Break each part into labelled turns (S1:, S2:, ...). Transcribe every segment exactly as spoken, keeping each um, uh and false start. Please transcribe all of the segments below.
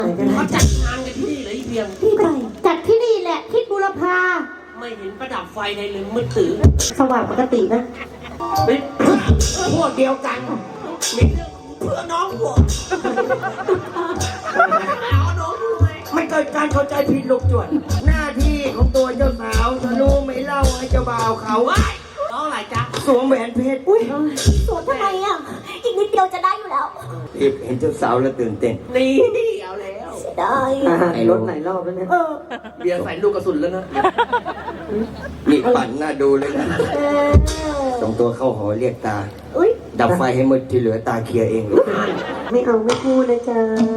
S1: เขาจัดงานกันที่นี่เลยเพียง
S2: ที่ไหนจัดที่นี่แหละทิศบุรพา
S1: ไม่เห็นประดับไฟในเลยมืดตื้อ
S2: สว่างปกตินะ
S1: เป็นพวกเดียวกันมีเรื่องเพื่อน้องหัวเอาน้องด้วยไม่เกิดการเข้าใจผิดลูกจวนหน้าที่ของตัวเจ้าสาวจะรู้ไหมเล่าให้เจ้าบ่าวเขาไว้น้องอะไรจ๊ะสวมแหวนเพชรอุ้ย
S2: สวนทำไมอ่ะอีกนิดเดียวจะได้อยู่แล้ว
S3: เห็นเจ้าสาวแล้วตื่นเต้น
S1: นี่เอาแล้ว
S2: ได้
S3: ไอ้รถไหนรอบแล้วเนี่ย
S2: เออ
S1: เบียร์ใส่ลูกกระสุนแล้วนะ
S3: นี่ปั่นหน้าดูเลยนะ
S2: เออ
S3: ตรงตัวเข้าหอเรียกตา
S2: อุ้ย
S3: ดับไฟให้หมดที่เหลือตาเคลียร์เองลูก
S2: ไม่เอาไม่พูดนะจ๊ะ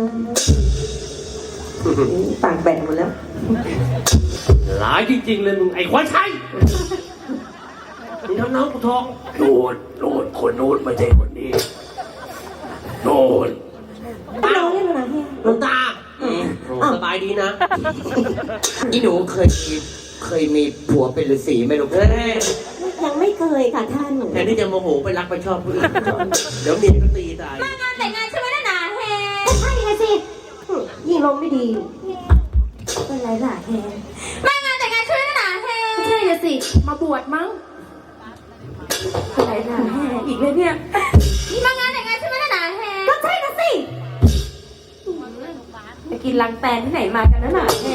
S2: ปากแบะหมดแล้ว
S1: หลายจริงๆเลยมึงไอ้ควายชัยมึงทำน้องกูทอง
S3: โน่นโน่นคนโน้นไม่ใช่คนนี้โน่น
S2: ไม่เอาเล่นอะไรเนี่ย
S1: หลวงตาสบายดีนะ
S3: อีหนูเคยมีเคยมีผัวเป็นฤาษีไหมลูก
S1: เฮ้ย
S2: ยังไม่เคยค่ะท่าน
S1: แทนที่จะโมโหไปรักไปชอบผู้อื่นเดี๋ยวเมียก็ตีตาย
S2: มางานแต่งงานใช่ไหมล่ะหนาแฮใช่ไงสิยิ่งลมไม่ดีเป็นไรล่ะแฮมางานแต่งงานใช่ไหมล่ะหนาแฮใช่เลยสิมาบวชมั้งเป็นไรล่ะแฮอีกเลยเนี่ยมางานแต่งงานใช่ไหมล่ะหนาแฮก็ใช่นะสิไปกินลังแตนที่ไหนมากันนะหนาแฮ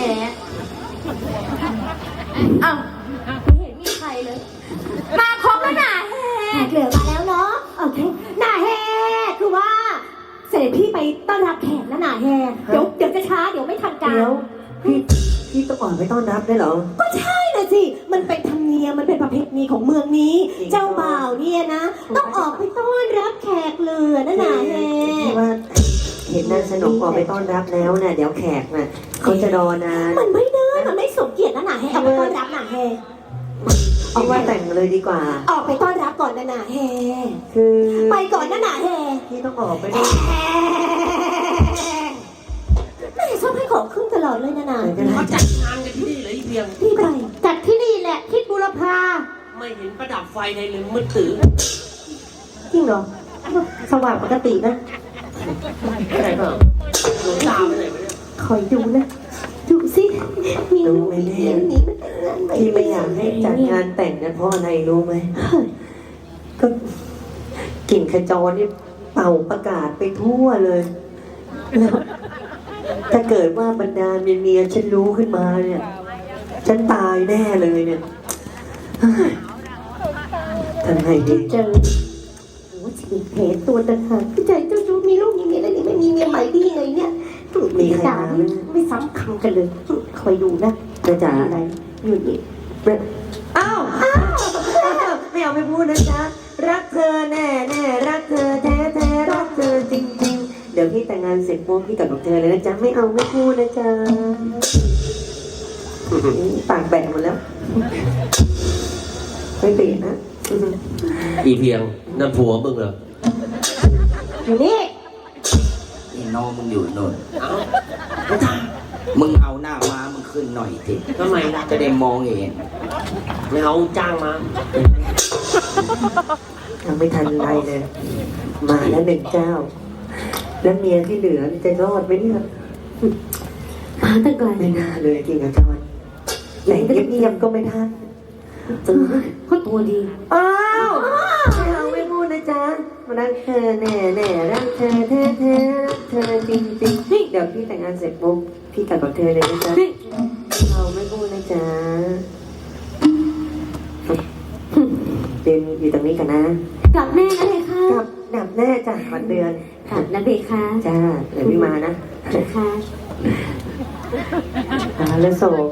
S2: อ้าวไม่เห็นมีใครเลยมาครบแล้วหนาแฮเหลือมาแล้วเนาะโอเคหนาแฮคือว่าเสด็จพี่ไปต้อนรับแขกนะหนาแฮเดี๋ยวเดี๋ยวจะช้าเดี๋ยวไม่ทันการ
S4: เดี๋ยวพี่พี่ต้องออกไปต้อนรับได้เหรอ
S2: ก็ใช่นะสิมันเป็นธรรมเนียมมันเป็นประเพณีของเมืองนี้ เจ้าบ่าวเนี่ยนะต้องออกไปต้อนรับแขกเรือนะหนาแฮ
S4: พี่ว่าเห็นนางสนมออกไปต้อนรับแล้วน่ะเดี๋ยวแขกน่ะเขาจะรอนาน
S2: มันไม่ได้มันไม่สมเกียรตินะหนาแฮเอาไปต้อนรับหนาแฮ
S4: พี่ว่าแต่งเลยดีกว่า
S2: ออกไปต้อนรับก่อนนะหนาแฮ
S4: คือ
S2: ไปก่อนนะหนาแฮ
S4: พี่ต้องออกไปด้วย
S2: แม่ชอบให้ของขึ้นตลอดเลยนะหนา
S1: เขาจัดงานกันที่นี่เลยเพียง
S2: ที่ไหนจัดที่นี่แหละทิศบุรพา
S1: ไม่เห็นประดับไฟในเลยมืดตื้อ
S2: จริงเหรอสว่างปกตินะ
S1: อะไรเปล่าหลวงตาไปไหนไปเนี่ย
S2: คอยดูนะดูสิมี
S4: รู้
S2: ลูก
S4: ไหม
S2: มี
S4: แม่
S2: เลี้ยงหนีมาแต่งงาน
S4: พี่ไม่อยากให้จัดงานแต่งนะเพราะอะไรรู้ไหมก็กลิ่นขจรนี่เป่าประกาศไปทั่วเลยแล้วถ้าเกิดว่าบรรดาเมียๆฉันรู้ขึ้นมาเนี่ยฉันตายแน่เลยเนี่ยเฮ้ยทำไงดี
S2: เจอโอ้ฉีกเพจตัวต่างหากพี่ใจเจ้าชู้มีลูกมีเมียแล้วนี่ไม่มีเมียใหม่ดีไงเนี่ยมีด่าไม่ไม่ซ้ำคำกันเลยคอยดูนะ
S4: นะจ๊ะ
S2: อะไรอยู่นี่
S4: อ้าวอ้าวไม่เอาไม่พูดนะจ๊ะรักเธอแน่แน่รักเธอแท้แท้รักเธอจริงจริงเดี๋ยวพี่แต่งงานเสร็จปุ๊บพี่กลับกับเธอเลยนะจ๊ะไม่เอาไม่พูดนะจ๊ะปากแบะหมดแล้วไม่เปลี่ยนนะ
S1: อีเพียงนั่นผัวมึงเหรอ
S2: อยู่นี่
S3: นี่น้องมึงอยู่โน่น
S1: เอ้า
S3: มึงเอาหน้าม้ามึงขึ้นหน่อยสิ
S1: ทำไมล่ะ
S3: จะได้มองเห็น
S1: ไม่เอาจ้างมา
S4: ยังไม่ทันไรเลย มาแล้วหนึ่งเจ้า แล้วเมียที่เหลือจะรอดไหมเนี่ย
S2: มาตั้งไกล
S4: ไม่น่าเลยจริงอาจารย์แต่งเงียบๆก็ไม่ทัน
S2: เออเขาตัวดี
S4: อ้าวไม่เอาไม่พูดนะจ๊ะรักเธอแน่แน่รักเธอแท้แท้รักเธอจริงจริงเดี๋ยวพี่แต่งงานเสร็จปุ๊บพี่กลับกับเธอเลยนะจ๊ะเราไม่พูดนะจ๊ะเดินอยู่ตรงนี้กันนะ
S2: กลับแน่นะเลยค่ะ
S4: กลับดับแน่จ้ะขวัญเดือน
S2: กลับนะเบค่ะ
S4: จ้าเดี๋ยวพี่มานะ
S2: ค่ะ
S4: หาแล้วโศก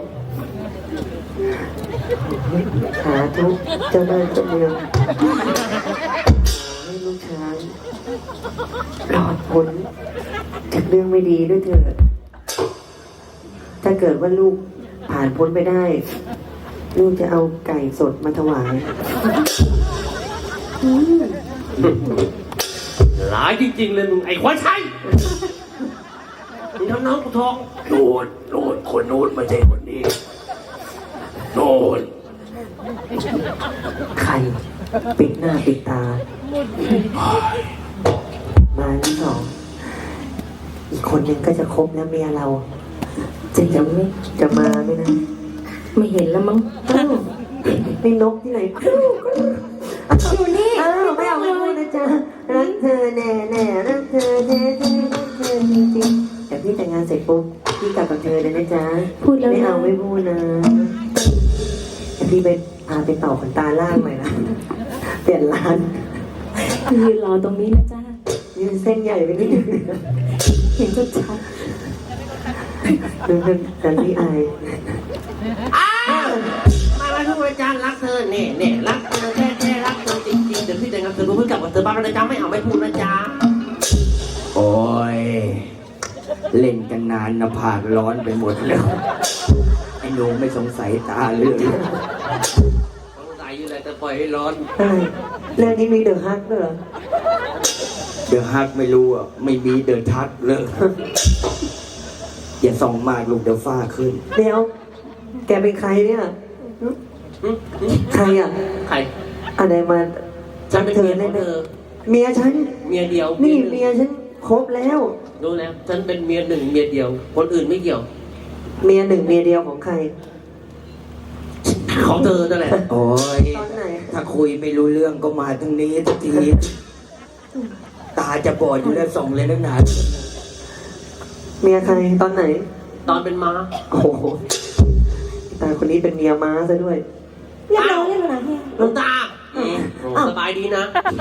S4: หาทุกเจ้าเดินเจ้าเมืองให้ลูกชายรอดพ้นจากเรื่องไม่ดีด้วยเถิดถ้าเกิดว่าลูกผ่านพ้นไปได้ ลูกจะเอาไก่สดมาถวาย
S1: หลายจริงๆเลยมึงไอ้ควายชัยมึงทำน้องกูทอง
S3: โน่นโน่นคนโน้นไม่ใช่คนนี้โน่น
S4: ใครปิดหน้าปิดตา มาที่สองอีกคนหนึ่งก็จะครบแล้วเมียเรา จะจะไม่จะมาไหมนะ
S2: ไม่เห็นแล้วมั้ง
S4: อ้าวนี่นกที่ไหนครูครู
S2: อยู่นี่
S4: อ้าวไม่เอาไม่พูดนะจ๊ะรักเธอแน่แน่รักเธอแท้แท้รักเธอจริงๆแต่พี่แต่งงานเสร็จปุ๊บพี่กลับกับเธอเลยนะจ๊ะ
S2: พูดแล้ว
S4: ไม่
S2: นะ
S4: เอาไม่พูดนะแต่พี่ไปพาไปต่อขนตาล่างใหม่นะเปลี่ยนร้าน
S2: ยืนรอตรงนี้นะจ้า
S4: ยืนเส้นใหญ่ไปนิดนึง
S2: เห็นชัดชัด
S4: ดูเป็นกันพี่อาย
S3: อ้าวมาแล้วทุกอาจารย์รักเธอเนี่ยเนี่ยรักเธอแท้แท้รักเธอจริงๆเดี๋ยวพี่แต่งงานเธอรู้เพิ่งกลับกับเธอบ้านแล้วนะจ๊ะไม่เอาไม่พูดนะจ๊ะ
S1: โอ้ย เล่นกันนานนะผากร้อนไปหมดแล้ว ไอ้หนูไม่สงสัยตาเรื่อง
S3: สงสัยอยู่แหละแต่ปล่อยให้ร้อน
S4: อะไรเรื่องนี้มีเดอะฮักด้วยเหรอ
S1: เดือดฮักไม่รู้อ่ะ ไม่มีเดือดทักเลย อย่าส่องมากลูกเดี๋ยวฝ้าขึ้น
S4: เดี๋ยว แกเป็นใครเนี่ยใครอ่ะ
S3: ใคร
S4: อะไรมา
S3: ฉันเป็นเมียของเธอ
S4: เมียฉัน
S3: เมียเดียว
S4: นี่
S3: หง
S4: เมียฉันครบแล้ว
S3: รู้แล้วฉันเป็นเมียหนึ่งเมียเดียว คนอื่นไม่เกี่ยว
S4: เมียหนึ่งเมียเดียวของใคร
S3: ของเธอนั่นแหละ
S1: โอ้ย
S4: ตอนไหน
S1: ถ้าคุยไม่รู้เรื่องก็มาทางนี้ทันที ตาจะบอดอยู่แล้วส่องเลยนักหนา
S4: เมียใครตอนไหน
S3: ตอนเป็นม้า
S4: โอ้โหตาคนนี้เป็นเมียม้าซะด้วย
S2: เรียบร้อยแล้วนะเฮีย
S3: หลวงตาอืมโอ้สบายดีนะ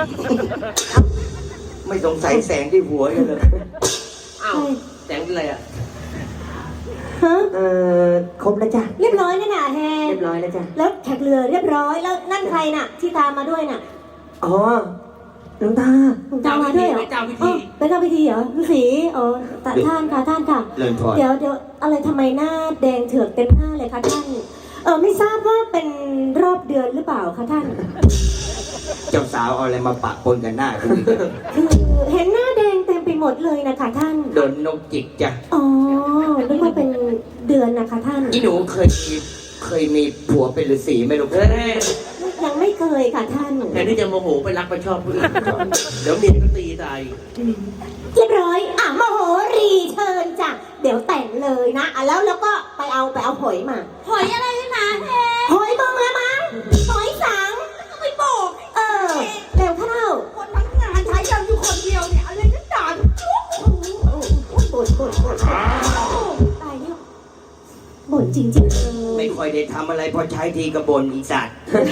S1: ไม่สงสัยแสงที่หัวเลย
S3: อ้าวแสงเป็นอะไรอ่ะ
S2: ฮะ
S4: เอ่อครบแล้วจ้ะ
S2: เรียบร้อยแล้วนะแฮ
S4: เรียบร้อยแล้วจ้ะ
S2: แล้วแขกเรือเรียบร้อยแล้วนั่นใครน่ะ ที่ตามมาด้วยน่ะ
S4: อ๋อหลวงตา
S2: หลวงตามมาด้วยเหรอ
S3: เจ้าพิธี
S2: อ๋อเป็นเจ้าพิธีเหรอฤาษีอ๋อตาท่านค่ะท่านค่ะ
S1: เลินพอ
S2: เดี๋ยวเดี๋ยวอะไรทำไมหน้าแดงเถือกเต็มหน้าเลยคะท่าน เออไม่ทราบว่าเป็นรอบเดือนหรือเปล่าคะท่าน
S1: เจ้าสาวเอาอะไรมาปะปนกันหน้าคุณอีกอะ
S2: คือเห็นหน้าแดงเต็มไปหมดเลยนะคะท่าน
S1: โดนนกจิกจ้ะ
S2: อ๋อนึกว่าเป็นเดือนนะคะท่าน
S1: อีหนูเคยมีเคยมีผัวเป็นฤาษีไหมลูก
S3: เฮ้ย
S2: ยังไม่เคยค่ะท่าน
S3: แทนที่จะโมโหไปรักไปชอบผู้อื่นเดี๋ยวเมียก็ตีตาย
S2: เรียบร้อย อ่ะมโหรีเชิญจ้ะ เดี๋ยวแต่งเลยนะ อ่ะแล้วแล้วก็ไปเอาไปเอาหอยมา หอยอะไรนะแฮหอยเบิ่งละมั้งหอยสังก็ไม่บอกเออ เร็วเข้าคนทั้งงานใช้ยังอยู่คนเดียวเนี่ย อะไรก็ด่าจุ๊บบ่นบ่นบ่นตายแล้วบ่นจริงๆเลย
S1: ไม่ค่อยได้ทำอะไรพอใช้ทีกระบนอีสัตว์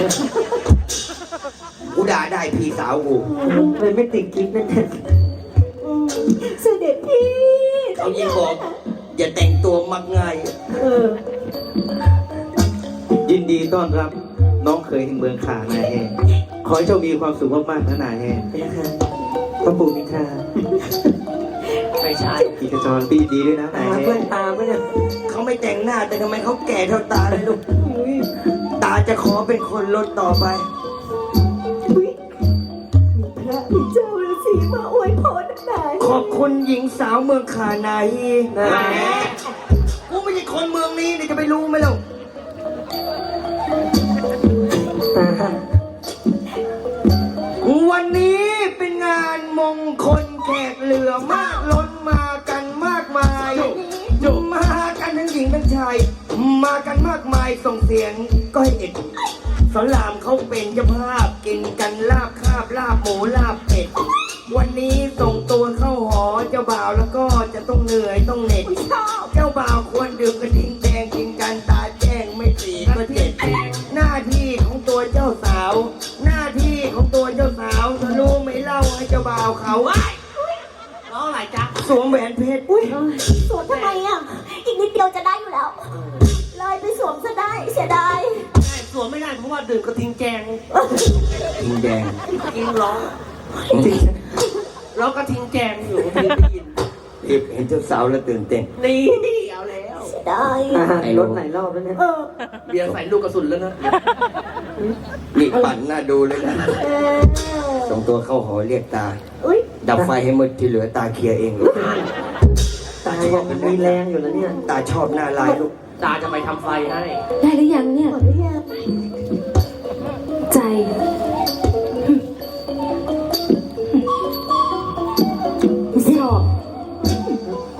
S1: กูด่าได้พี่สาวกู
S4: เลยไม่ติดกิ๊กนั่นแหละ
S2: อืมเสด็จพี่
S1: เขายิ่งบอก อย่าแต่งตัวมักง่าย
S4: เออ
S5: ยินดีต้อนรับน้องเคยแห่งเมืองขานายแห่ขอให้โชคดีความสุขมากๆนะนายแห่
S4: เป็นนะคะพระปู่มิตรา
S3: ไม่ใช่
S5: กิจจรปีดีด้วยนะนาย
S4: ตา
S5: แห่
S4: เพื่อนตาเพื่อน
S1: เขาไม่แต่งหน้าแต่ทำไมเขาแก่เท่าตาเลยลูก ตาจะขอเป็นคนลดต่อไป
S2: พระมีเจ้าฤาษีมาอวยพรนาย
S1: ขอบคุณหญิงสาวเมืองขานา
S4: นะ
S1: แหมกูไม่ใช่คนเมืองนี้เนี่ยจะไปรู้ไหมล่ะ
S4: ตา
S1: วันนี้เป็นงานมงคลแขกเหลือมากล้นมากันมากมายมากันทั้งหญิงทั้งชาย มากันมากมายส่งเสียงก็ให้เอ็ดสอนรามเขาเป็นเจ้าภาพกินกันลาบคาบลาบหมูลาบเป็ด วันนี้ส่งตัวเข้าหอเจ้าบ่าวแล้วก็จะต้องเหนื่อยต้องเหน็ดเจ้าบ่าวควรดื่มกระทิงแดงกินกันตาแจ้งไม่สีก็เจ็ดหน้าที่ของตัวเจ้าสาว หน้าที่ของตัวเจ้าสาวจะรู้ไหมเล่าให้เจ้าบ่าวเขาว่า
S3: น้องอะไรจ๊ะ
S1: สวมแหวนเพชร
S2: อุ้ยสวมทำไมอ่ะ อีกนิดเดียวจะได้อยู่แล้ว เลยไปสวมซะได้เสียดาย
S3: ใช่สวมไม่ได้เพราะว่าดื่มกระทิงแจง
S1: ทิงแดง
S3: กินร้องร้องกระทิงแจงอยู่ที่ได้ยิน
S1: เห็นเจ้าสาวแล้วตื่นเต้น
S3: นี่เอาแล้ว
S2: เสียดาย
S4: ตารถหลายรอบแล้วเนี่ย
S2: เออ
S3: เบียร์ใส่ลูกกระสุนแล้วนะ
S1: นี่ปั่นหน้าดูเลยนะ
S2: เออ
S1: ส่งตัวเข้าหอเรียกตา
S2: อุ้ย
S1: ดับไฟให้มืดที่เหลือตาเคลียร์เองลูก
S4: ตายังมีแรงอยู่แล้วเนี่ย
S1: ตาชอบหน้าลายลูก
S3: ตาจะไปทำไฟให้
S2: ได้หรือยังเนี่ยหมดหรือยังใจ ชอบ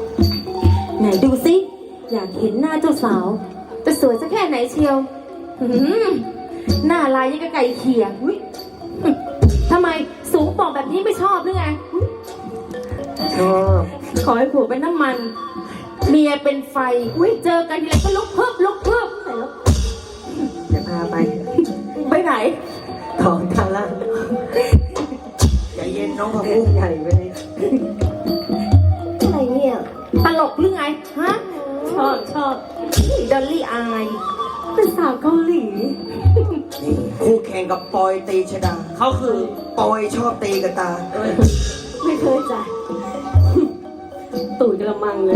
S2: อยากเห็นหน้าเจ้าสาวจะสวยสักแค่ไหนเชียวหืมหน้าลายยังกะไก่เขียอุ๊ยทำไมสูงป่องแบบนี้ไม่ชอบหรือไง
S4: ชอบ
S2: ขอให้ผัวเป็นน้ำมัน เมียเป็นไฟอุ้ยเจอกันทีไรก็ลุกเพิ่มลุกเพิ่ม
S4: จะพาไป
S2: ไปไหน
S4: ถอนทาร่า
S1: ใจเย็นน้องพะ
S4: เล่
S1: พุ
S4: นใหญ่ไปเลย
S2: อะไรเนี่ย ตลกหรือไง ฮะ ชอบชอบดอลลี่อาย เป็นสาวเกาหลี
S1: นี่คู่แข่งกับปอยตีชดา
S3: เขาคือ
S1: ปอยชอบตีกับตา
S2: ไม่เคยจ้ะตู่จะละมังเลย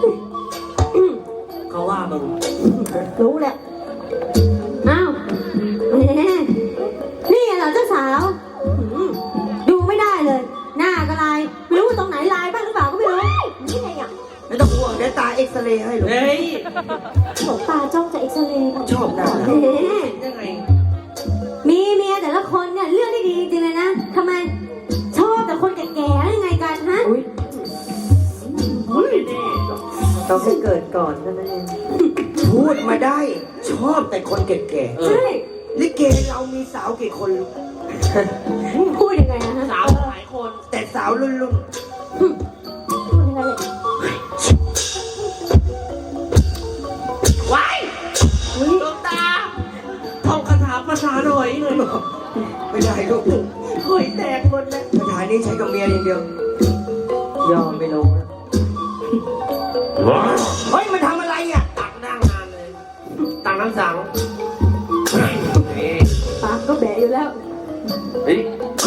S3: เขาว่ามึง
S2: รู้แหละ อ้าวแหมนี่เหรอเจ้าสาวหืมดูไม่ได้เลย หน้ากระลายไม่รู้ว่าตรงไหนลายบ้างหรือเปล่าก็ไม่รู้ นี่ไงอ่ะ
S1: ไม่ต้องห่วงเดี๋ยวตาเอ็กซเรย์ให้ลูก
S3: เฮ้ย
S2: หลวงตาจ้องจะเอ็กซเรย์
S1: ชอบหน้า
S2: แหม
S3: ยังไง
S2: มีเมียแต่ละคนเนี่ยเลือกได้ดีจริงๆเลยนะทำไม ชอบแต่คนแก่ๆหรือไงกันฮะ
S3: คนแน่
S4: ต้องให้เกิดก่อนเท่านั้นเอง
S1: พูดมาได้ ชอบแต่คนแก่
S3: ๆเอ
S2: ใช่
S1: ๆลิเกเรามีสาวกี่คนลูก
S2: พูดยังไงนะฮะ
S3: สาวหลายคน
S1: แต่สาวรุ่นรุ่น
S2: พูดยังไงเลย
S3: ว้ายดวงตาท่องคาถาภาษาหน่อยเลย
S1: ไม่ได้ลูก
S3: หอยแตกหมดแล้ว
S1: สถานนี้ใช้กับเมียอย่างเดียว
S4: ยอมไปลงแล้ว
S1: เฮ้ยมันทำอะไรอ่ะ
S3: ตักนั่งนานเลยตักน้ำสังนี่
S2: ปากก็แบะอยู่แล้ว
S3: เฮ้ย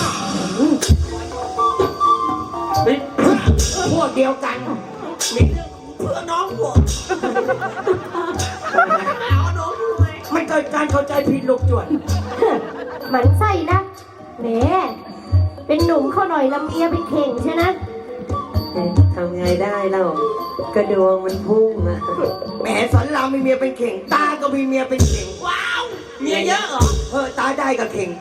S3: เฮ้ย
S1: พวกเดียวกัน
S3: มีเรื่องเพื่อน้องหัวเอาน้องทำไม
S1: มันเกิดการเข้าใจผิดลูกจวน
S2: หมันไส้นะแหมเป็นหนุ่มเข้าหน่อยลำเอียเป็นเข่งใช่นะ
S4: เอ๊ะทำไงได้เรากระดวงมันพุ่งอะ
S1: แหมสอนรามมีเมียเป็นเข่ง ตาก็มีเมียเป็นเข่ง
S3: ว้าวเมียเยอะเหรอ
S1: เออตาได้กับเข่ง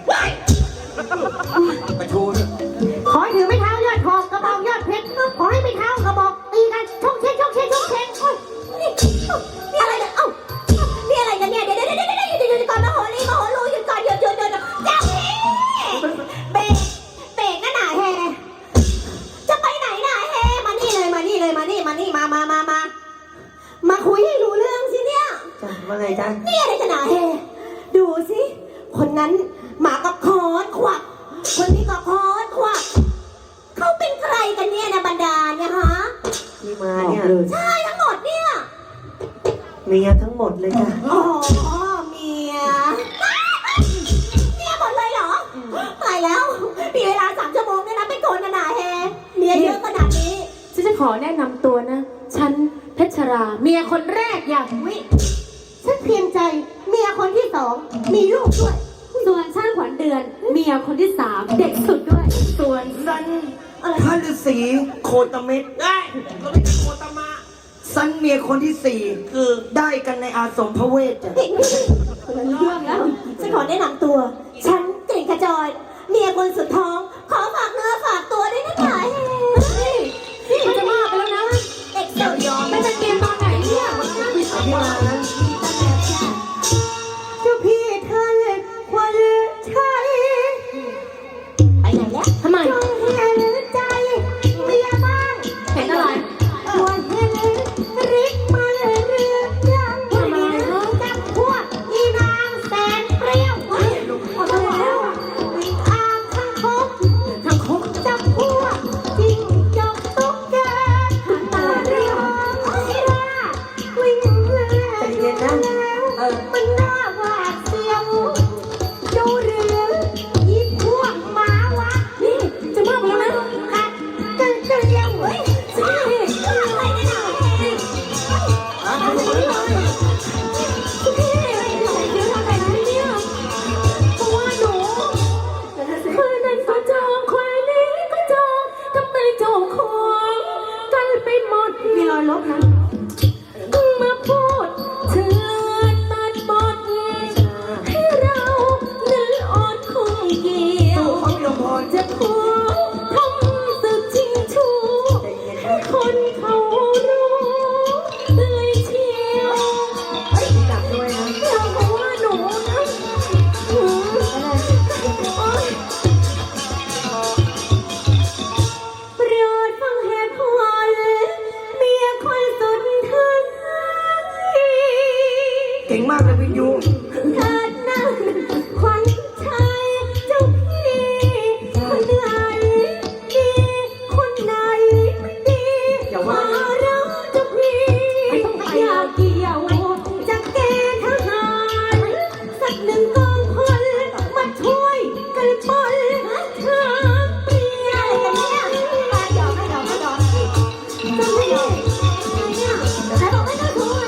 S1: ประทูน
S2: ขอให้ถือไม่เท้ายอดทองกระบอกยอดเพชรขอให้ไม่เท้ากระบอกตีกันชกเช็คชกเช็คชกเช็คโอ้ยนี่นี่อะไรเนี่ยเอ้านี่อะไรกันเนี่ยเดี๋ยวเดี๋ยวเดี๋ยวเดี๋ยวเดี๋ยวเดี๋ยวก่อนมาโหรีมาโหรูหยุดก่อนหยุดหยุดหยุดเจ้าพี่เบรกเบรกนะหนาแฮจะไปไหนหนาแฮมานี่เลยมานี่เลยมานี่มานี่มามามามามาคุยให้รู้เรื่องสิเนี่ย
S4: จ้ะว่าไงจ๊ะ
S2: นี่อะไรกันหนาแฮดูสิคนนั้นหมากับคอนขวักคนนี้ก็คอนขวักเขาเป็นใครกันเนี่ยนะบรรดาเนี่ยฮะ
S4: ที่มาเนี่ย
S2: ใช่ทั้งหมดเนี่ย
S4: เมียทั้งหมดเลยจ้ะ
S2: อ๋อเมียเมียหมดเลยเหรอตายแล้วมีเวลาสามชั่วโมงเนี่ยนะไปโกนนานาแฮเมียเยอะขนาดนี้
S6: ฉันจะขอแนะนำตัวนะ ฉันเพชรรา เมียคนแรกอย่าง
S2: วิฉันเพียงใจเมียคนที่สองมีลูกด้วย
S6: ส่วนฉันขวัญเดือน เมียคนที่สามเด็กสุดด้วย
S1: ส่วนสันพระฤาษีโคตเม็ด
S3: ได้เราไม่เป็นโคตามะ
S1: สันเมียคนที่สี่
S3: คือ
S1: ได้กันในอาสมพระเวทจ้ะ
S2: คนละเรื่องแล้วฉันขอแนะนำตัว ฉันกลิ่นขจรเมียคนสุดท้อง ขอฝากเนื้อฝากตัวด้วยนะจ๊ะเฮ้ย
S6: นี่มันจะมากไปแล้วนะ
S2: เด็กสุดยอม
S6: ไม่เป็นเกมตอนไหนเนี่ย
S4: ที่มานะ
S2: เจ้าพี่ท่านควรใช้ไปไหนแล้ว
S6: ทำไม
S2: จงเห็นใจเมียบ้าง
S6: เห็นอะไร
S2: ควรเห็นริกมาเรื่อยๆยังไม่รู้จักพวกอีนางแสนเปรี้ยวเฮ้ยออกมาแล้ววิ่งอางข้างคก
S6: ทางคก
S2: จับพวกจิ้งจกตุ๊กแกตาเรียวอีราวิ่งเล่น
S4: ใจเย็นนะ
S2: เออมันน่าหวาดเสียวดูเรือยิบพวกหมาวะนี่
S6: จะมากไปแล้วนะ
S2: กัดกันเกลียวเฮ้ยใช่อะไรกันอ่ะเฮ้ยอะไรเลยพี่เดี๋ยวทำอะไรเนี่ยเพราะว่าหนู
S6: คนนั้นก็จองคนนี้ก็จองทำไมเจ้าของกันไปหมด
S2: มีรอยลบนะ
S6: มาพูดเชิญตัดบทให้เรานั้นอ่อนคงเกี่ยว
S1: เขามีลมพร
S6: จะขอทำสึกจริงชู
S4: ใจเย็น
S6: ให้คนเขารู้เลยเชีย
S1: วินยู
S6: เกิดนั่นขวัญชัยเจ้าพี่คนไหนดีคนไหนไม่ดี
S4: อย่าว่า
S6: มารักเจ้าพี่อยากเกี่ยวจะเกณฑ์ทหารสักหนึ่งกองพลมาช่วยกันปนเธอเปลี่ยนอะไรกันเนี่ยมาหยอกไม่หยอกไม่หยอกจะไม่หยอกเนี่ยแต่บอกไม่ต้องถูกไง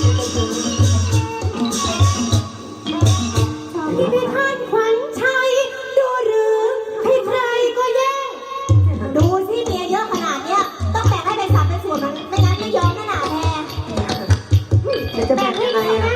S6: พี่พิทักษ์ขวัญชัยดูหรือให้ใครก็แย่งดูสิเมียเยอะขนาดเนี้ยต้องแบ่งให้เป็นสัดเป็นส่วนมันไม่งั้นไม่ยอมแน่หนาแท้
S4: แล้วจะแบ่งยังไงอ่ะ